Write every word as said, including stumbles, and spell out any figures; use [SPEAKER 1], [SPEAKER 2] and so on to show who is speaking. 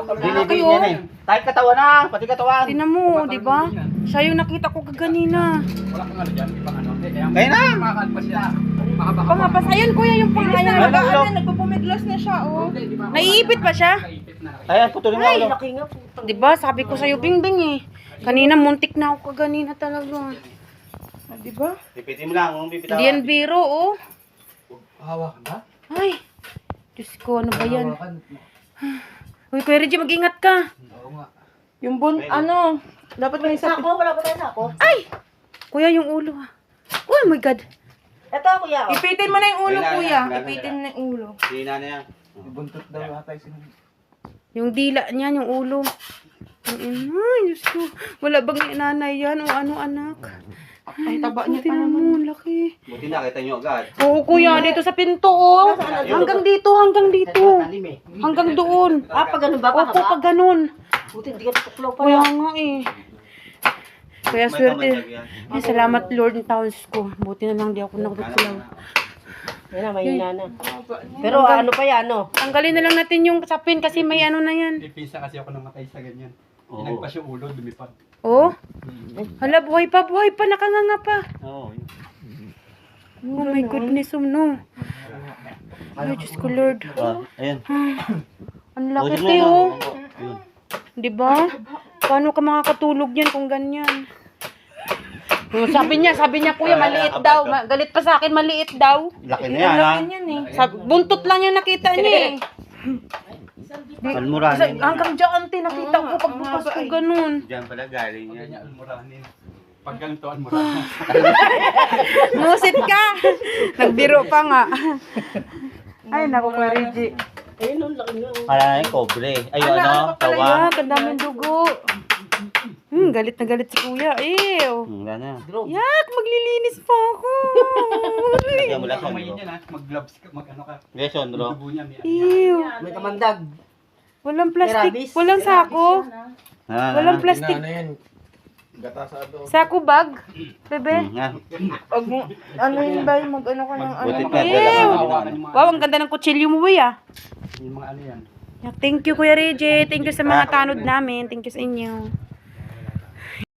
[SPEAKER 1] Binibig niya eh. Kahit katawan na, pati katawan.
[SPEAKER 2] Tinan mo, di ba? Siya yung nakita ko kaganina.
[SPEAKER 3] Wala kang ano dyan, ibang ano.
[SPEAKER 1] Kaya na.
[SPEAKER 3] Makakalpas siya. Makabaka.
[SPEAKER 2] Pangapas, ayun kuya yung pangayan.
[SPEAKER 1] Ano, ulo?
[SPEAKER 4] Nagpupumiglas na siya, oh.
[SPEAKER 2] Naiipit ba siya?
[SPEAKER 1] Ayan, putulin mo ulo.
[SPEAKER 4] Laki nga po.
[SPEAKER 2] Di ba? Sabi ko sa'yo, Bingbing eh. Kanina muntik na ako kaganina talaga.
[SPEAKER 4] Di ba?
[SPEAKER 1] Pipitin mo lang, kung bibitawan.
[SPEAKER 2] Hindi yan biro, oh.
[SPEAKER 3] Hawakan ba?
[SPEAKER 2] Ay, Diyos ko, ano ba yan? Uy, Kuya Reggie, mag-ingat ka.
[SPEAKER 3] Oo nga.
[SPEAKER 4] Yung bun, ano, dapat may isa.
[SPEAKER 5] Sako, wala ba tayo sako?
[SPEAKER 2] Ay! Kuya, yung ulo ha. Oh my God.
[SPEAKER 5] Ito, kuya. Oh.
[SPEAKER 4] Ipitin mo na yung ulo,
[SPEAKER 1] Wala na,
[SPEAKER 4] kuya.
[SPEAKER 1] wala na.
[SPEAKER 4] Ipitin mo na yung ulo.
[SPEAKER 1] Hina na yan.
[SPEAKER 3] Buntot daw ata yung sinunod.
[SPEAKER 2] Yung dila niyan, yung ulo. Ang ina, ay, Diyos ko. Wala bang nanay yan o ano anak?
[SPEAKER 4] Ay, taba niya pa
[SPEAKER 2] Tingnan
[SPEAKER 4] naman.
[SPEAKER 2] mo, laki.
[SPEAKER 1] Buti nakita nyo agad.
[SPEAKER 2] Oo, kuya, dito sa pinto, oh. Hanggang dito, hanggang dito. Hanggang doon.
[SPEAKER 5] Ah, pag ganun ba?
[SPEAKER 2] Opo, pag ganun.
[SPEAKER 5] Buti, hindi ka tutuklaw pa
[SPEAKER 2] Kaya
[SPEAKER 5] lang.
[SPEAKER 2] nga eh. Kaya
[SPEAKER 1] May
[SPEAKER 2] swerte.
[SPEAKER 1] kamandag yan.
[SPEAKER 2] Ay, salamat Lord ng towns ko. Buti na lang di ako nakutuklaw.
[SPEAKER 5] Yan na, mahina na. Pero ano pa yan, no?
[SPEAKER 2] Tanggalin na lang natin yung sapin kasi may ano na yan.
[SPEAKER 3] Pipisa kasi ako namatay sa ganyan.
[SPEAKER 1] Oo.
[SPEAKER 3] Inagpas yung ulo, lumipad.
[SPEAKER 2] Oh? Hala, buhay pa, buhay pa, nakanganga pa.
[SPEAKER 1] Oo.
[SPEAKER 2] Oh my goodness, um, no. Ay, Diyos ko, Lord.
[SPEAKER 1] Ah, ayan.
[SPEAKER 2] Ang laki,
[SPEAKER 1] Buti mo,
[SPEAKER 2] te,
[SPEAKER 1] no?
[SPEAKER 2] oh.
[SPEAKER 1] Yun.
[SPEAKER 2] Di ba? Paano ka makakatulog yan kung ganyan? Oh, sabi niya, sabi niya, kuya, maliit daw. Ma- galit pa sa akin, maliit daw.
[SPEAKER 1] Laki na yan, ha?
[SPEAKER 4] Yan eh.
[SPEAKER 2] Sab- buntot lang yung nakita niya eh.
[SPEAKER 1] Almura
[SPEAKER 2] Sa-
[SPEAKER 1] na.
[SPEAKER 2] hanggang dyan, te, nakita ko pagbukas ko ganun.
[SPEAKER 1] Diyan pala galing
[SPEAKER 3] Pag
[SPEAKER 1] yan.
[SPEAKER 3] ganyan, almuranin. Pag ganito, almuranin.
[SPEAKER 2] Musit ka! Nagbiro pa nga. Ay, naku, Kuya Reggie.
[SPEAKER 5] Ayun, no, laki nga. oh.
[SPEAKER 1] Kala na yung kobre. Ay, ano, tawa.
[SPEAKER 2] Ah, kadaming dugo. Hmm, galit na galit si Kuya. Ew.
[SPEAKER 1] Hmm, wala na.
[SPEAKER 2] Yak, maglilinis pa ako.
[SPEAKER 1] Lagyan mo lang sa
[SPEAKER 3] Kamay
[SPEAKER 1] ulo.
[SPEAKER 3] niya na, mag-gloves ka, mag-ano ka.
[SPEAKER 1] Yes,
[SPEAKER 3] Yung
[SPEAKER 1] Sondro.
[SPEAKER 3] dugo niya, may
[SPEAKER 2] Ew.
[SPEAKER 5] May kamandag.
[SPEAKER 2] Walang plastic.
[SPEAKER 5] Rabies.
[SPEAKER 2] Walang sako.
[SPEAKER 1] Ha,
[SPEAKER 2] Walang
[SPEAKER 1] ha.
[SPEAKER 2] plastic.
[SPEAKER 3] yan. Gatasado.
[SPEAKER 2] Sako bag. Bebe.
[SPEAKER 1] Hmm, ha.
[SPEAKER 4] Pag mo, ano yun ba, mag ano ka ng ano.
[SPEAKER 1] Buti pa,
[SPEAKER 2] Ew.
[SPEAKER 1] wala kang
[SPEAKER 3] Hawakan
[SPEAKER 1] ano.
[SPEAKER 3] yung mga,
[SPEAKER 2] Wow, ang ganda ng kutsilyo mo, boy, ah.
[SPEAKER 3] yung mga ano yan.
[SPEAKER 2] Yak, thank you, Kuya Reggie. Thank you sa mga tanod namin. Thank you sa inyo.